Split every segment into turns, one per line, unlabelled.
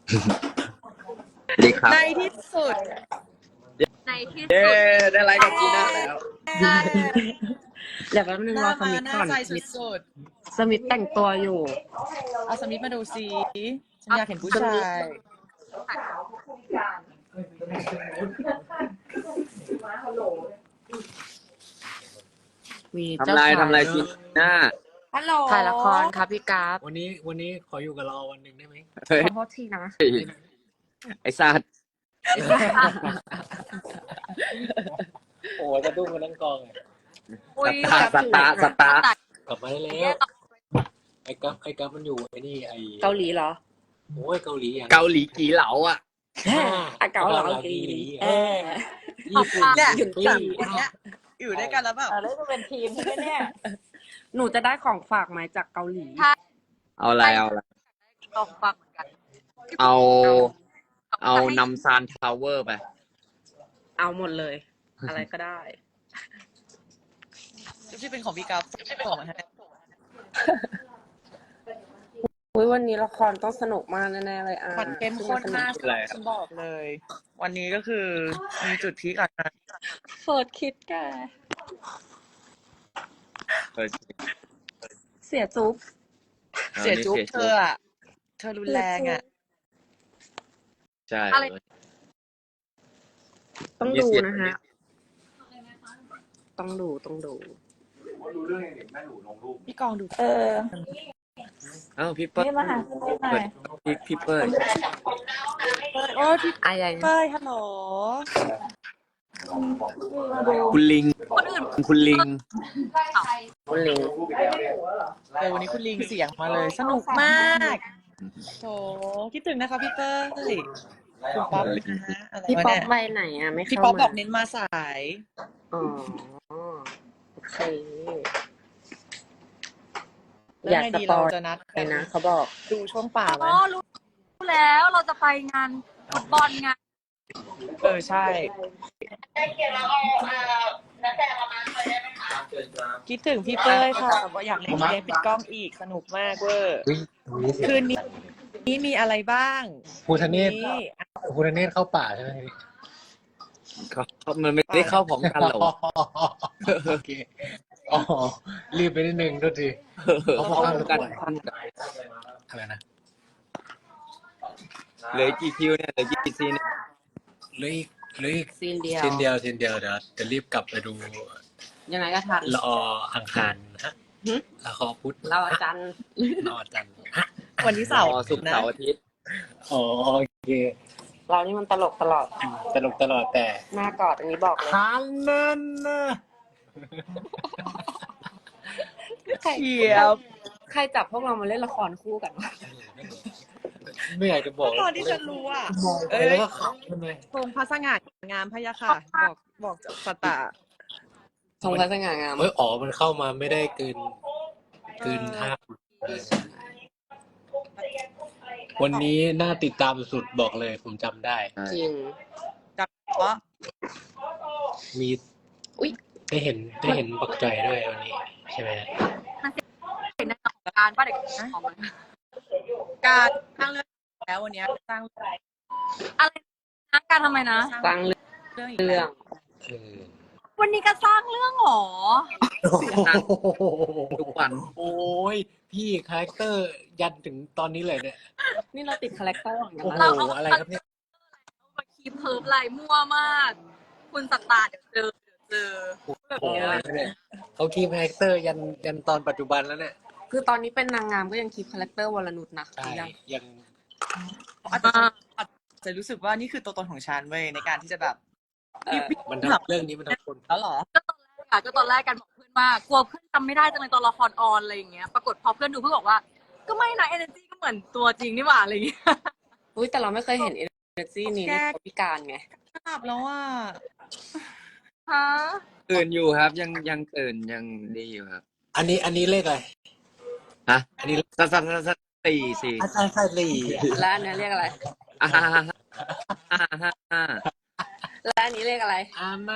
สวัสดีครับ
ในที่สุด
ในที่
เย้
สุด
ได้ไลฟ์กับจีน่าแล้ว
เดี๋ยวแป๊บนึง
ห
ร
น้า
อส
มา
มิธ
หน้า
ก่อน
ใจ
สมิธ
สุด
สมิธแต่งตัวอยู่
ๆเอาสมิธมาดูซิฉันอยากเห็นผู้ชาย
มี
ทำ
เจ้า
ไร
ชาย
ทำไรจีน่า
ฮัลโหล
ถ่ายละครครับพี่กราฟ
วันนี้ขออยู่กับเราวันหนึ่งได้ไหม
เฮ้ย
ขอโทษทีนะ
ไอ้สัตว์
โอ้ยกระดุ้งกันทั้งกองเลย
อุ้ย
สตาร์
กลับมาได้แล้วไอ้กัฟมันอยู่ไอ้นี่ไอ้
เกาหลีเหรอ
โอ้ยเกาหลีอย่าง
เกาหลีกี่เหลาอ่ะ
อ่ะเกาเหลา
เกาหลี
เออ
ญี่ปุ่น
เนี่ย
หยุด
สามคนเนี้ยอยู่ด้วยกันแล้วแบบ
แล้วจะเป็นทีมใช่ไหมเนี่ย หนูจะได้ของฝากไหมจากเกาหลี
เอาอะไรเอาอะไร
ลองฟังเหมือนกัน
เอานำซานทาวเวอร์ไป
เอาหมดเลย อะไรก็ได้
ที่เป็นของพี่กัฟส่งมาให้
อุ๊ยวันนี้ละครต้องสนุกมากแน่ๆเลยอ่ะ
คอนเทนต์ข้นมาก
อะไรครับ
ฉันบอกเลย วันนี้ก็คือมีจุดพีคก่อนนะ
เฟิร์สคิดแก
เฮ้ย
เสียจุ๊บ
เสียจุ๊บเธออะเธอรุนแรงอ่ะ
ใช่
อะไร
ต้องดูนะฮะ ต้องดู
พี่กองดู
เอ้าพี่เปิ้ลพี่เปิ้ล
โอ้พี่
อะไร
เป้ยฮัลโหล
คุณลิง
คนอื่น
คุณลิง
คุณลิง
วันนี้คุณลิงเสียงมาเลย สนุกมากโถคิดถึงนะคะพี่เป้ยคุณป๊อปนะฮะอะไร
พี่
วะ
ป๊อป
เนี่ย
ไปไหนอ่ะ ไม่
พี่
เข้า
ป๊อป
มา
บอกเน้นมาสาย
อ๋อ โอเค อยาก
แล้วไง
ส
ดี
ป
เรา
อย
จะนัด
ไปนะ เขาบอก
ดูช่วงป่าไหม
อ๋อรู้แล้วเราจะไปงานฟุตบอลไง
ใช่คิดถึงพี่เป้ยค่ะว่าอยากเล่นเกมปิดกล้องอีกสนุกมากเวอร์คืนนี้มีอะไรบ้าง
ภูทะเนศ
นี่
ภูทะเนศเข้าป่าใช่ไหม
มันไม่ได้เข้าพร้อมกันเหรอ
โอเคอ๋อรีบไปนิดนึงด้วยที
เขาพร้อมกัน
อะไรนะ
เหลือกี่คิวเนี่ยเหลือกี่ซีนเนี่ย
เหลืออีก
ซีนเดียว
ซีนเดียวเดี๋ยวจะรีบกลับไปดู
ยังไงก็ทัน
ละออังคารฮะ
หึ
ละครพุธ
เราอาจารย์
ละอจันทร์ฮะ
วันที่เสาร์
ศุกร์
นะ
เสาร์อาทิตย์
อ๋อโอเค
เรานี่มันตลกตลอด
ตลกตลอดแต่
หน้ากอดอันนี้บอกเลย
ทันนั่นนะ
เขียว
ใครจับพวกเรามาเล่นละครคู่กันวะ
ไม่อยากจะบอก
ตอนที่ฉันรู้อ่ะ
เอ้ยแล้วก็ขำใช่ไหม
ทรงพระสง่างามพะยะค่ะ บอกจากสตาร์
ทรงพระสง่างาม
เฮ้ยอ๋อมันเข้ามาไม่ได้เกินห้าวันนี้น่าติดตามสุดๆบอกเลยผมจำได้
จริง
จับเพราะ
มี
อุ๊ย
ได้เห็นปักใจอยด้วยวันนี้ใช่ไหม
เห็นในการป้าเด็กของมัน
การสร้างเรื่องแล้ววันนี้สร้าง
อะไรนะการทำไมนะ
สร้างเรื่อง
เรื่องอีก
เรื่
แล้
อ
ว
ง
เออ
วันนี้ก็สร้างเรื่องหรอ
ทุกวัน
โอ้ยพี่คาแรคเตอร์ยันถึงตอนนี้เลยเนี่ย
นี่เราติดคาแรคเตอร์ของ
โอ้
เรา
โหอะไรครับเนี่ย
มาคีบเพิร์ฟลายมั่วมาก คุณสตาร์เดี๋ยวเจอแบบ
โอ้โห
เนี้ย
อะไรครับเนี่ยเขาคีมคาแรคเตอร์ยันตอนปัจจุบันแล้วเนี่ย
คือตอนนี้เป็นนางงามก็ยังคีปคาแรคเตอร์วรนุชนะ
ใช่
ยัง
ยัง
อาจจะรู้สึกว่านี่คือตัวตนของฉันเว้ยในการที่จะแบบ
มันทำเรื่องนี้มันทำคน
แล้วเหรอ
ก็ตอนแรกกันบอกเพื่อนว่ากลัวเพื่อนจำไม่ได้จังเลยตอนละครออนอะไรอย่างเงี้ย ปรากฏพอเพื่อนดูเพื่อนบอกว่า ก็ไม่นะ energy ก็เหมือนตัวจริงนี่หว่าอะไรอย่างเงี้ย
อุ้ยแต่เราไม่เคยเห็นเอเนอร์จีนี้ในตัวพิการไง
กลับแล้วอ่ะ
ฮะ
ตื่นอยู่ครับ ยังตื่นยังดีอยู่ครับ
อันนี้เลขอะไร
ฮะ
อันนี้
สักสี่
อาจารย์ไซรี
และอันนี้เรียกอะไร
อ่าฮ่าฮ่าฮ่า
และอันนี้เรียกอะไร
อามา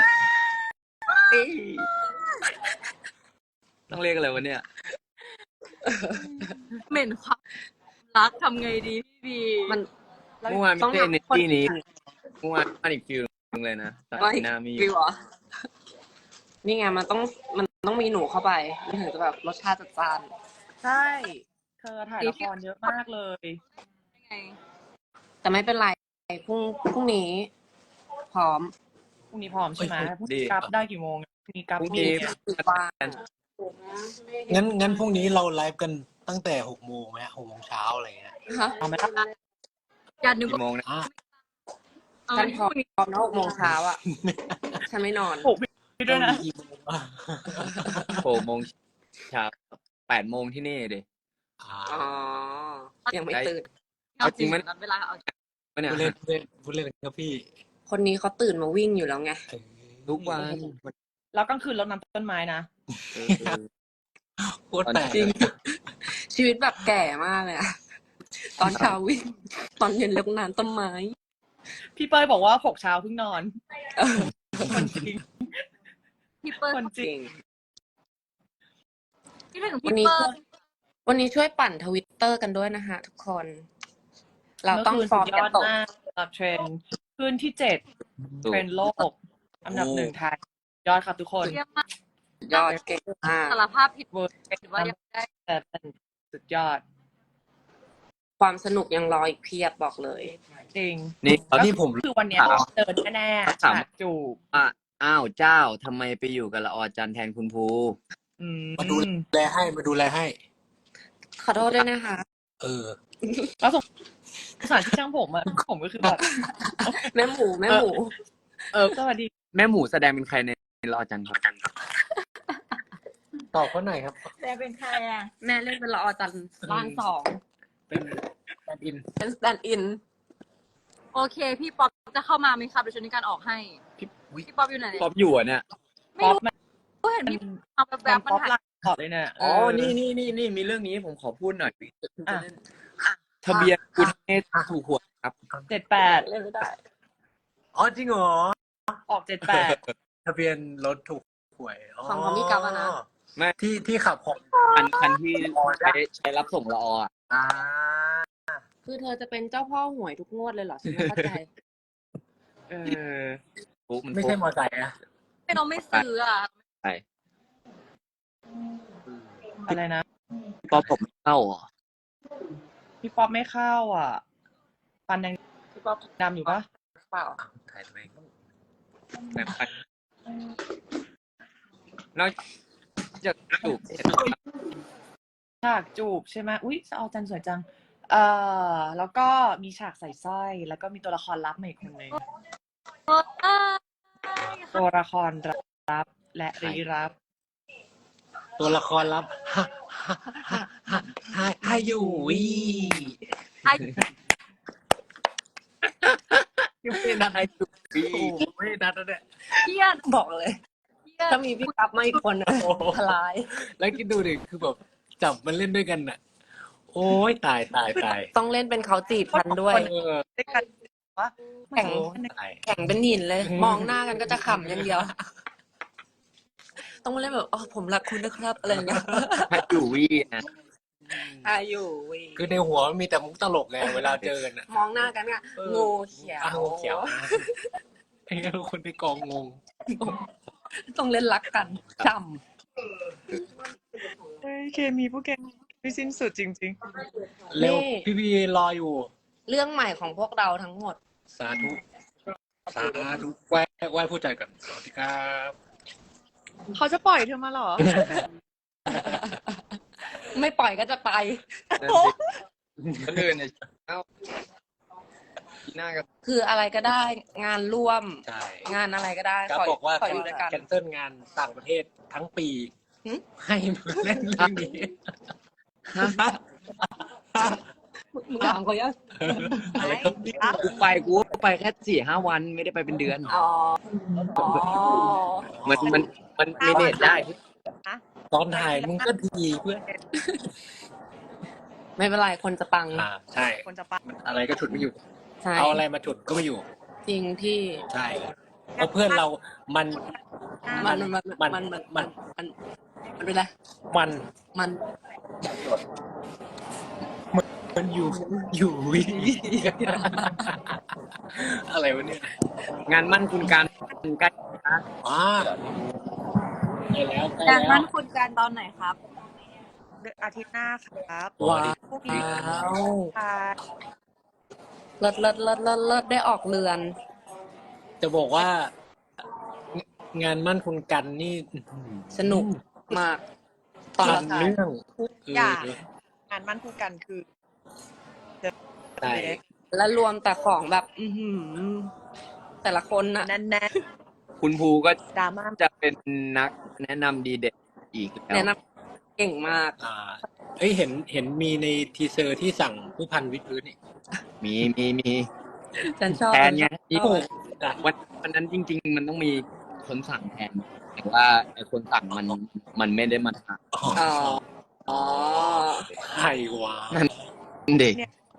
ต้องเรียกอะไรวะเนี่ย
เหม็นความรักทำไงดีพี่บี
มัน
แล้ว
เมื่อวานไม่
ต้อง
ใช่
หาคน
energy นี้เมื่อวานอีกฟิลนึงเลยนะแต่
ว่า
หน้ามี
ฟิวเหรอนี่ไงมันต้องมีหนูเข้าไปมันถึงจะแบบรสชาติจัดจ้าน
ใช่ เธอถ่ายละครเยอะมากเลย
ไง
แต่ไม่เป็นไรพรุ่งนี้ พร้อม
พรุ่งนี้พร้อมใช่ไหมพรุ่ง
ดี
นี้กลับได้กี่โมงพรุ่งนี้กลับ
พรุ่ง
กี่
นี้
โมง
คือว่าง
งั้นพรุ่งนี้เราไลฟ์กันตั้งแต่6 โมงไหม6 โมงเช้าอะไรเงี้ย
ฮะ
เอาไหมล่ะ
อย่านึก
กี่โมงนะ
อ่ะ
ฉันพร้อมนะ6 โมงเช้าอ่ะ ฉันไม่นอน
ปลุกพี่ด้วยนะ
กี่โมงอ่ะ
6 โมงเช้า8 โมงที่นี่ดิ
อ่า
อ๋อ ยังไม่ตื่น
เอาจริง
เอาจริงไหม
นัดเวลาเอา
ปะเนี่ย
พูดเล่นครับพี่
คนนี้เขาตื่นมาวิ่งอยู่แล้วไง
เออ
ทุกวัน
แล้วกลางคืนรดน้ำต้นไม้นะ
เออ
โคตรแปลก
จริง ชีวิตแบบแก่มากเลยอะตอนเช้าวิ่ง ตอนเย็นเลิกนานต้นไม้
พี่เป้ยบอกว่า6 เช้าเพิ่งนอน
เออ
คนจริง
พี่เปิ้ล
คนจ
จ
ริ
ริ
ง
ง
พี่ถึง
วั
พี่
นนี้
เปิ้ล
วันนี้ช่วยปั่นทวิตเตอร์กันด้วยนะฮะทุกคน เราต้อง
เมื่อคืน
ฟอร์ม
สุดย
กัน
อด
ตก
มากสำหรับเทรนด์ขึ้นที่ 7 เทรนด์โลก อันดับ 1 ไทย ยอดครับทุกคน
เยี่ยมมาก
ยอดเก่งมาก
สารภาพผิด
เวิร์ด
ถือว่ายังได้
แต่เป็นสุดยอด
ความสนุกยังรออีกเพียบบอกเลย
จริง
นี่
นี่ผม
คือวันเนี้ย
ถาม
เดินแน่ๆ
ถาม
ฉากจูบ
อ้าวเจ้าทำไมไปอยู่กับละออจันแทนคุณภู
อืม
มาดูแลให้
ขอโทษด้วยนะคะ
เออ
แล้วสงสารที่ช่างผมอะผมก็คือแบบ
แม่หมู
สวัสดี
แม่หมูแสดงเป็นใครในละออจันครับ
ตอบเขาหน่อยครับ
แม่เล่นเป็นละออจันบ้านสอง
เป็นแฟนอิน
เป็นสแตนด์อิน
โอเค พี่ป๊อปจะเข้ามาไหมครับเดี๋ยวฉันมีการออกให้ พี่ป๊อปอยู่ไหน
ป๊อปอยู่อะเนี่ย
ไม่
ป๊อป
รู้
มัน
ก็เห็นพี่เอาแบบ
ป๊
มัน
อป
หาย
ลาตอบเลยเนี่ย
อ๋อ
เ
นี่มีเรื่องนี้ผมขอพูดหน่อย
อ่ะ
ทะเบียนคุณเนตถูกหวยครับ
78
เล่นไม่ได้
อ๋อจริงเหรอ
ออก78
ทะเบียนรถถูกหวย
ของพี่กั๊บอะนะ
ไม่
ที่ขับของ
คันที่ใช้รับส่งละออ่ะ
อ่า
คือเธอจะเป็นเจ้าพ่อหวยทุกงวดเลยเหรอฉันไม่เข้าใจ
เออ
ปุ๊บมัน
ไม่ใช่มอไซค์นะ
ไม่น้องไม่ซื้ออ่ะ
ใช่
อะไรนะ
ป๊อปผมไม่เข้าเหรอ
พี่ป๊อปไม่เข้าอ่ะ ฟันยัง
พี่ป๊อป
ดำอยู่ปะ
เปล่า
ถ่ายตัวเอง
แบบคันนอกจากจูบเสร็จ
ฉากจูบใช่ไหมอุ๊ยเอาจันสวยจัง แล้วก็มีฉากใส่สร้อย แล้วก็มีตัวละครลับมาอีกคนนึง ตัวละครรับและรีรับ
ตัวละครลับให้อยู่วิ
ไอ้
ยังไม่นัด
ให้จูบฟรี
โอ้โหไม่นัดแล้วเนี่ย
เพี้ยน
บอกเลย
เพี้ยน
ถ้ามีพี่กั๊บมาอีกคนนะ
โอ้โห
ทลาย
แล้วคิดดูดิคือแบบจับมันเล่นด้วยกันน่ะ โอ้ยตาย
ต้องเล่นเป็นเขาจีบฉันด้วย
เออ
ได้กันว่า
แข่ง
โอ้ยตาย
แข่งเป็นหินเลย มองหน้ากันก็จะขำอย่างเดียว ต้องมาเล่นแบบอ๋อผมรักคุณนะครับอะไรอย่างเงี้ย
ให้อยู่วีนะ
อายุวิ
คือในหัวมันมีแต่มุกตลกไงเวลาเจอกันน่ะ
มองหน้ากันก็
เออ
งูเขียว
อ้าวงูเขียวไอ้คนในกองงง
ต้องเล่นรักกันจ
เฮ้ยเคมีพวกแกไม่สิ้นสุดจริง
เร็วพี่รออยู่
ำเรื่องใหม่ของพวกเราทั้งหมด
สาธุไหว้ผู้ใจก่อนสวัสดีครับ
ๆ เขาจะปล่อยเธอมาเหรอ
ไม่ปล่อยก็จะไป
นั่นสิคนอื่นเนี่ยเอ้าหน้ากับ
คืออะไรก็ได้งานร่วม
ใช่
งานอะไรก็ได้
ครับ
ขอ
บอกว่า
ขออยู่ด้วยกัน
แคนเซิลงานต่างประเทศทั้งปี
หึ
ให้เล่นเรื่องนี้
มึงถามเขายัง
อะไรครับเนี่ย
กูไปแค่4-5 วันไม่ได้ไปเป็นเดือน
อ๋ออ๋อ
มันไม่เดทได้
ตอนถ่ายมึงก็ดีเพื่อน
ไม่เป็นไรคนจะปัง
ใช่
คนจะปัง
อะไรก็ฉุดไม่อยู่
ใช่
เอาอะไรมาฉุดก็ไม่อยู่
จริงพี่
ใช่เพราะเพื่อนเรามัน
มันเป็นไร
มัน
มัน
เหมือนมันอยู่วิอะไรวะเนี่ย
งานมั่นคุณการใกล้นะ
ว้าใกล้แล้วใกล้
การ
แล้
มั่
วน
คุณการตอนไหนครับ
อาทิตย์หน้าครับ
ว้า
พรุ่งนี้
ว้าว
ค่ะ
เลิศเลิศเลิศเลิศเลิศได้ออกเรือน
จะบอกว่า งานมั่นคุณกันนี่อื้อหือ
สนุกมาก ตอน
ผ่า
ละ
น
สาย
เรื่อง
ทุก
เอ
อย่าง
อ
งานมั่นคู่กันคือ
ใช่
แล้วรวมแต่ของแบบ แต่ละคนน่ะ
แน่น
คุณภูก็
ๆดราม่า
จะเป็นนักแนะนำดีเด่นอีกแล้ว
แนะนำเก่งมาก
เอ้ยเห็นมีในทีเซอร์ที่สั่งผู้พันวิดพื้นนี่
มี
ฉันชอบ
แทนไงที่
โอ้โห
วันนั้นจริง ๆ มันต้องมีคนสั่งแทน แต่ว่าไอ้คนสั่งมันไม่ได้มาท
อ๋อ อ๋อ
ใครวะ
ำเด็ก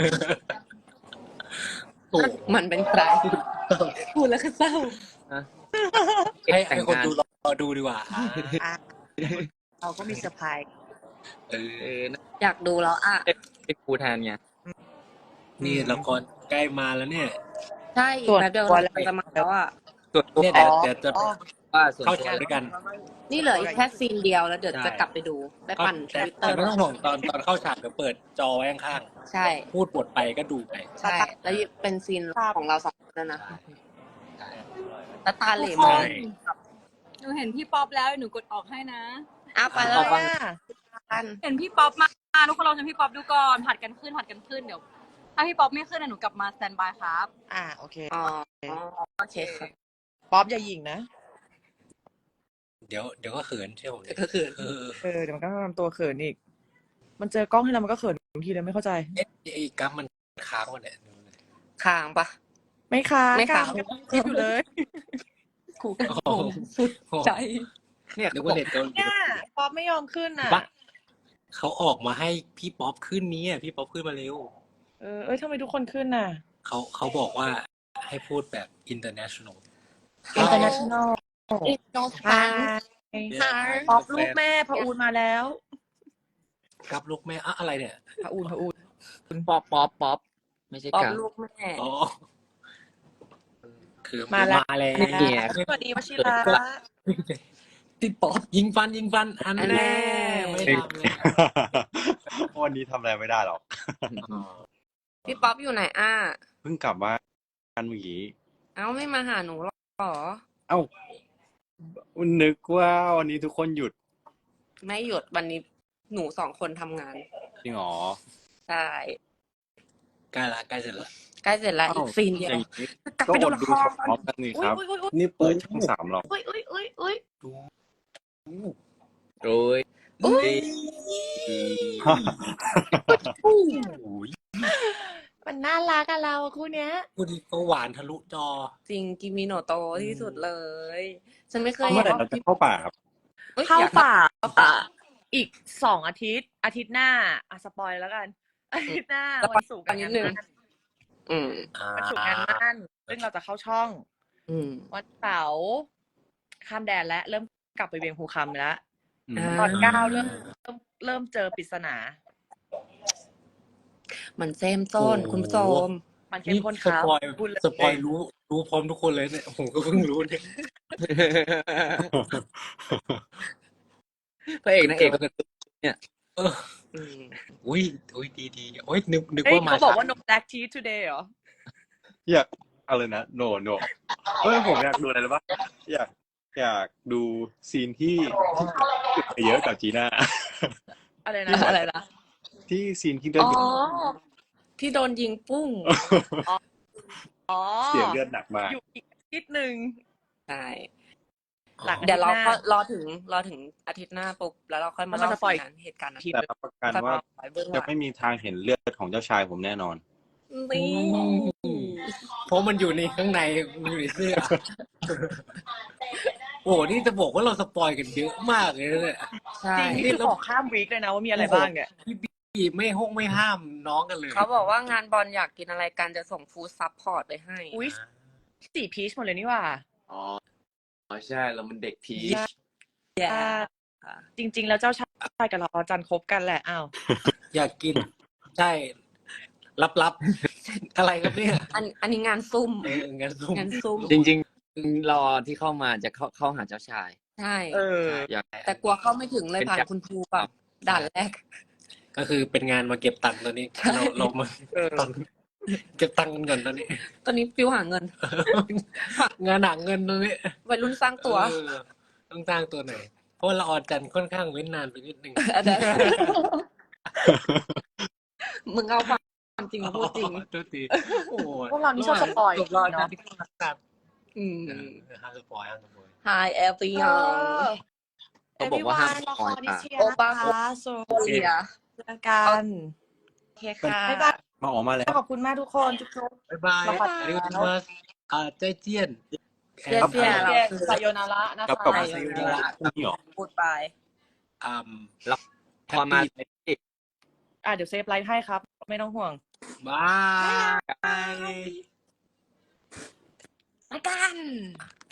โอ้โห
มันเป็นใคร พูดแล้วก็เศร้า
ให้คนดูรอดูดีกว่า
อ่ะเราก็มีเซอร์ไพรส์
เออ
อยากดูแล้วอ่ะ
เป็นครูแทนไง
นี่ละครใกล้มาแล้วเนี่ย
ใช่อีกแป๊บเดียวเราจะมาแล้วอ่ะ
ส่วนตัว
เนี่ย
ขอ
เดี๋ยวจะ
ว่าส่วน
เข้า
ตัว
ฉากด้วยกัน
นี่เหลืออีกแค่ซีนเดียวแล้วเดี๋ยว
ใช่
จะกลับไปดู ไปปั่นท
แต่
วิตเตอ
แต่
ร์
ไม่ต้องห่วงตอนเข้าฉากเดี๋ยวเปิดจอไว้ข้าง
ใช่
ๆพูดบทไปก็ดูไป
ใช่ แล้วเป็นซีนของเราสองคนแล้วนะแล้วตาเหล่
ใช่
มาก
หนูเห็นพี่ป๊อปแล้วหนูกดออกให้นะ
อ้าวไปแล้
ต่
ว
อไป
กัน
เห็นพี่ป๊อปมาทุกคนลองชมพี่ป๊อปดูก่อนผัดกันขึ้นเดี๋ยว ถ้าพี่ป๊อปไม่ขึ้นหนูกลับมาสแตนบายครับ
โอเค
อ๋อโอเคครับ
ป๊อปอย่าหยิงนะ
เดี๋ยวก็เขินเชื่อผมดิ
ก็คือ
เดี๋ยวมันก็ทำตัวเขินอีก มันเจอกล้องให้เรามันก็เขินบางทีเลยไม่เข้าใจ
ไอ้กั๊มมันค้างวะเนี่ย
ค้างปะ
ไม่ค้าง
ไม่ค้าง
คิดอยู่เลย
ครูกันผมสุดใจ
เนี่ย
นึก
เขาบ
ว่า
อก
เน็ตเกาหลี
เนี่ยป๊อปไม่ยอมขึ้นอ่ะ
ปะเขาออกมาให้พี่ป๊อปขึ้นนี้อ่ะพี่ป๊อปขึ้นมาเร็ว
เอ้ยทำไมทุกคนขึ้นน่ะ
เขาบอกว่าให้พูดแบบ international
international
อีกน้อง
ฮา
ฟ้า
ป๊อปลูกแม่พะอูนมาแล้ว
กับลูกแม่อะอะไรเนี่ย
พะอูน
ป๊อปไม่ใช่
ป๊อป
กับ
ลูกแม่
อ๋อคือ
มาแล้ว
แล้ว
เนี่ย
สวัสดีวชิระ
พี่ป๊อปยิงฟันอันแน่ไม่ทำเลย
วันนี้ทำอะไรไม่ได้หรอก
พี่ป๊อปอยู่ไหนอ่ะ
เพิ่งกลับบ้านเมื่อกี้
เอ้าไม่มาหาหนูหรอ
เอ้านึกว่าวันนี้ทุกคนหยุด
ไม่หยุดวันนี้หนูสองคนทำงาน
จริงเหรอ
ใช่
ใกล้เสร็จแล้ว
ใกล้เสร็จแล้วอีกซีนเดียว
อย่างนี้
กลับ
ก็
ไป
อ
ดู
ด
ละ
ดู
คร
พร้อมกันนี่ครับ
อุ๊ย
นี่เปิดช่อง3หรอก
อุ้ย
โอ้ย
อุ้ย
มันน่ารักอะเราคู่เนี้ย
พูดดีก็หวานทะลุจอ
จริงกิมิโนโตะที่สุดเลย ฉันไม่เคย
เมื่อไหร่เราจะเข้าป่าครับ
อ้ย
เข้า
อยก
ป่าอีก2 อาทิตย์ อาทิตย์หน้าสปอยแล้วกัน อาทิตย์หน้าวันศุกร์กับงานมั่น
อืม
วันศุกร์งานมั่นซึ่งเราจะเข้าช่อง
อืม
วันเสาร์ข้ามแดนและเริ่มกลับไปเวียงภูคำแล้ว
อ่า
ตอน9เริ่มเจอปริศนา
มันเซมต้น
โอ้โห
คุณผู้ชม
มันเข้ม
นี่
ข้น
ส
ครับ
ปอย
พูดเลย
สปอยรู้พร้อมทุกคนเลยเนี่ยผมก็เพิ่งรู้เนี่ย
พระเอกนางเอกก็คือ
อืม
อุ้ยดีโอ้ยนึก
เฮ้ย
ว่ามา
เขาบอกว่า
ช้
no black tea today เหรอ
อยากอะไรนะโนเฮ้ยผมอยากดูอะไรรู้ปะอยากดูซีนที่เยอะกับจีน่า
อะไรนะ
ที่ซีนที่เลือด
อ๋อ
หยด
ที่โดนยิงปุ้ง
อ๋อ
เสียเลือดหนักมาก
อยู่อีกอาทิตย์หนึ่ง
ใช่
หลัง
เดี๋ยวเรา
อาทิตย์หน้า
ก็รอถึงอาทิตย์หน้าปุ๊บแล้วเราค่อยมา
แล้วมัน
เล่า
จะปล่อย
เหตุการณ์นั้น
แต่รับประกันว่า
ค่อยเบื้องห
จะ
ลัง
ไม่มีทางเห็นเลือดของเจ้าชายผมแน่นอน
นี่
เพราะมันอยู่ในข้างในมันอยู่ในเสื้อ โอ้โหนี่จะบอกว่าเราสปอยกันเยอะมากเลยนะเนี่ย
ใช่
จริงนี่คือบอกข้ามวีคเลยนะว่ามีอะไรบ้างเนี่ย
พี่ไม่ห้ามน้องกันเลย
เขาบอกว่างานบอลอยากกินอะไรกันจะส่งฟู้ดซัพพอร์ตไปให้
อุ้ยสีพีชหมดเลยนี่หว่า
อ๋อใช่เรามันเด็กพีช
อ่าจริง ๆ แล้วเจ้าชายกับเราจันคบกันแหละอ้าว
อยากกิน ใช่ลับๆอะไรครับเนี่ย
อันนี้งานซุ่ม
งานซุ่ม
งานซุ่ม
จริงๆรอที่เข้ามาจะเข้าหาเจ้าชาย
ใช่
อยาก
แต่กลัวเข้าไม่ถึงเลยผ่านคุณครูแบบด่านแรก
ก็คือเป็นงานมาเก็บตังค์ตอนนี้
ใช่
เรามาตอนเก็บตังค์กันก่อนตอนนี้
ตอนนี้ฟิวหาเงิน
งานหนักเงินตอนนี้
วัยรุ่นสร้างตัว
เออต้องสร้างตัวหน่อยเพราะว่าละออนจันทร์ค่อนข้างเว้นนานไปนิดนึง
อันนั้น มึงเอาความจริงมาพูดจริง
ตัวตีโอ้โห
พวกเรานี่ชอบสปอยล์
จบรอด
เนอะ
นะที่ครับ
อืม
ห้ามสปอยห้ามสปอย
Hi everyone
เขาบอกว่าห้าม
ละครนิเชีย
โอปา
นะคะโซ
โอเลีย
เจอกัน
โอเคค่ะ
บ๊ายบาย
มาออกมาแล้ว
ขอบคุณมากทุกคนจุ๊บ
บ๊ายบาย
ละคร
อันนี้ก็จะมาใจเจี้ยน
เจียนเจียน
ๆเย้ไซโยนาระนะ
กลับ
คะ
กลับมาซีรีส์ละพรุ่งนี้เหรอ
พูดไป
อืม
พอมา
เดี๋ยวเซฟไลฟ์ให้ครับ ไม่ต้องห่วง
บาย
มากัน